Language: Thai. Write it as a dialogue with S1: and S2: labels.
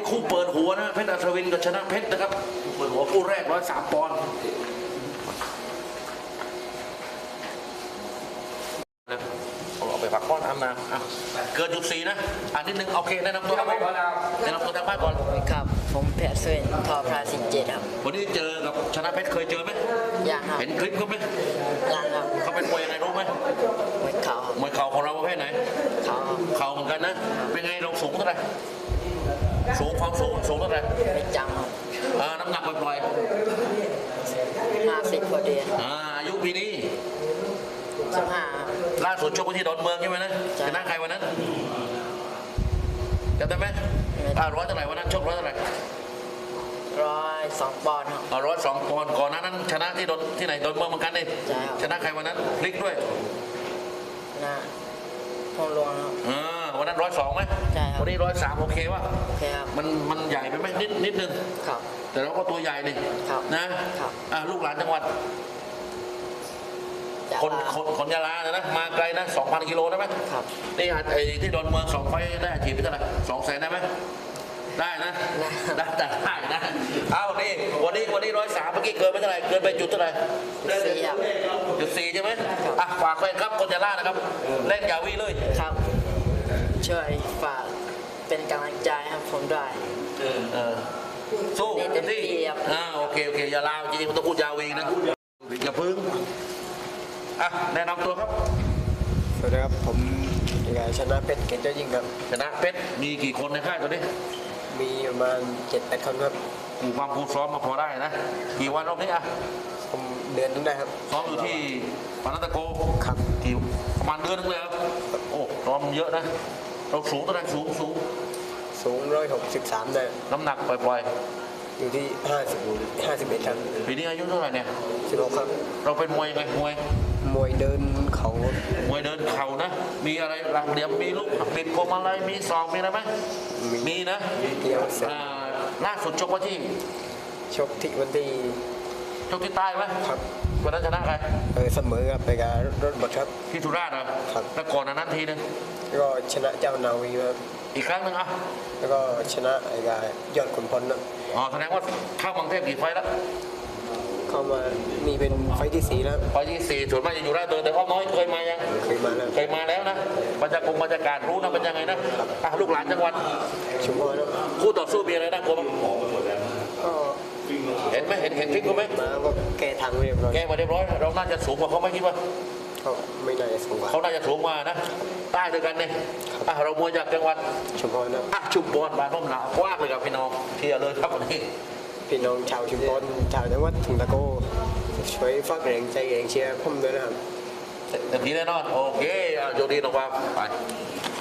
S1: นี้คู่เปิดหัวนะเพชรอัศวินกับชนะเพชรนะครับเปิดหัวคู่แรก103 ปอนด์เอาไปผักก้อนน้ำมาเกิน.4นะนิดนึงโอเคแนะนำตัวครับแนะนำตัวทางบ้านก่อน
S2: ครับผมเพชรเซนทอพราสิเจ็ดครับ
S1: วันนี้เจอกับชนะเพชรเคยเจอไหม
S2: ยังครับ
S1: เห็นคลิปเขาไหม
S2: ยังครับ
S1: เขาเป็นมวยยังไงรู้ไหม
S2: มวยเข่าม
S1: วยเข่าของเราประเภทไหน
S2: เข่า
S1: เหมือนกันนะเป็นไงเราสูงเท่าไหร่สูงความสูงเท่าไหร่
S2: ไม่จังครับ
S1: น้ำหนักปล่อย
S2: 50พอดี
S1: อายุปีนี้
S2: 15
S1: ล่าสุดชกที่ดอนเมืองใช่ไหมนะชนะใครวันนั้นจำได้ไหมร้อยเท่าไหร่วันนั้นชกร้อยเท่าไหร่
S2: 102 ปอนด์ครับ
S1: 102 ปอนด์ก่อนนั้นชนะที่ไหนดอนเมืองเหมือนกันนี่ชนะใครวันนั้นพลิกด้วย
S2: นะพงหลวงครับ
S1: วันนั้น102ไหม
S2: ใช่ครับ
S1: วันนี้103โอเควะ
S2: โอเคครับ
S1: มันใหญ่ไปไหมนิดนึง
S2: ครับ
S1: แต่เราก็ตัวใหญ่นี่
S2: นะครับ
S1: ลูกหลานจังหวัดคนยาลานะมาไกลนะ 2,000 กิโลได้ไหม
S2: ครับ
S1: นี่ที่ดอนเมือง2 ไฟได้อาชีพไปเท่าไหร่200,000ได้ไหมได้นะได้นะเอานี่วันนี้103เมื่อกี้เกินไปเท่าไหร่เกินไปจุดเท่าไหร่4ใช่ไหมฝากแฟนครับคนยาลานะครับเล่นยาวีเลย
S2: ครับช่วยฝากเป็นกำลังใจให้ผมด้วย
S1: สู้เต็มที่โอเคยาลาจริงๆมันต้องพูดยาวีนะอย่าพึ่งแนะนำตัวครับ
S3: สวัสดีครับผมชนะเพชรเกตเจ้ายิ่งครับ
S1: ชนะเพชรมีกี่คนในค่ายตัวนี้
S3: มีประมาณ7-8 คนครับ
S1: ความพูดซ้อมมาพอได้นะกี่วันรอบนี้
S3: ผมเดือนนึงได้ครับ
S1: ซ้อมอยู่ที่ปานันตะโก
S3: ครับ
S1: กี่ประมาณเดือนนึงเลยครับโอ้ซ้อมเยอะนะเราสูงเท่าไหร่สูง
S3: 163ได้
S1: น้ำหนักปล่อย
S3: อยู่ที่51ครับ
S1: ปีนี้อายุเท่าไหร่เนี่ย
S3: 16ครับ
S1: เราเป็นมวยยังไง
S3: มวยเดินเขา
S1: นะมีอะไรหลักเหลี่ยมมีลูกปิดพวงมาลัยมีศอกมีอะไรไหมมีนะล่าสุดชกวันที่
S3: ชกที่วันที่
S1: ชกที่ใต้ไหม
S3: ครับ
S1: วันนั้นชนะใคร
S3: เสมอครับไปกับรถบัสครับ
S1: ที่สุราษฎร์
S3: ครับ
S1: แล้วก่อนนั้นทีนึง
S3: ก็ชนะเจ้านาวีครับ
S1: อีกครั้งหนึ่ง
S3: แล้วก็ชนะยอดขุนพลนะ
S1: แสดงว่าเข้ากรุงเทพกี่ไฟแล้ว
S3: เข้ามามีเป็นไฟที่4แล้ว
S1: ไฟที่4ส่วนมากจะอยู่ราชดำเนินแต่อ้อมน้อยเคยมายัง
S3: เคยมา
S1: แล้วนะบรรยากาศรู้นะเป็นยังไงนะลูกหลานจังหวัด
S3: ชุมพร
S1: คู่ต่อสู้มีอะไรน่ากลัวบ้าง
S3: ก็
S1: เห็นไหมเห็นคลิปเขาไหม
S3: มาก็แก้ทางเรียบร้อย
S1: เราน่าจะสูงกว่าเขาไหมคิดว่า
S3: ไม่น่าจะสูงกว่า
S1: เขาน่าจะสูงกว่านะใต้ด้วยกันเนี่ยเรามวยจากจังหวัด
S3: ชุมพรนะ
S1: ชุมพรบ้านร่มหนาวกว้างเลยครับพี่น้องเที่ยวเลยครับวันนี้
S3: พี่น้องชาวชุมพรชาวจังหวัดถุงตะโกช่วยฝากแรงใจแรงเชียร์ผมด้วยนะครับ
S1: เต็มที่แน่นอนโอเคโชคดีน้องฟ้าไป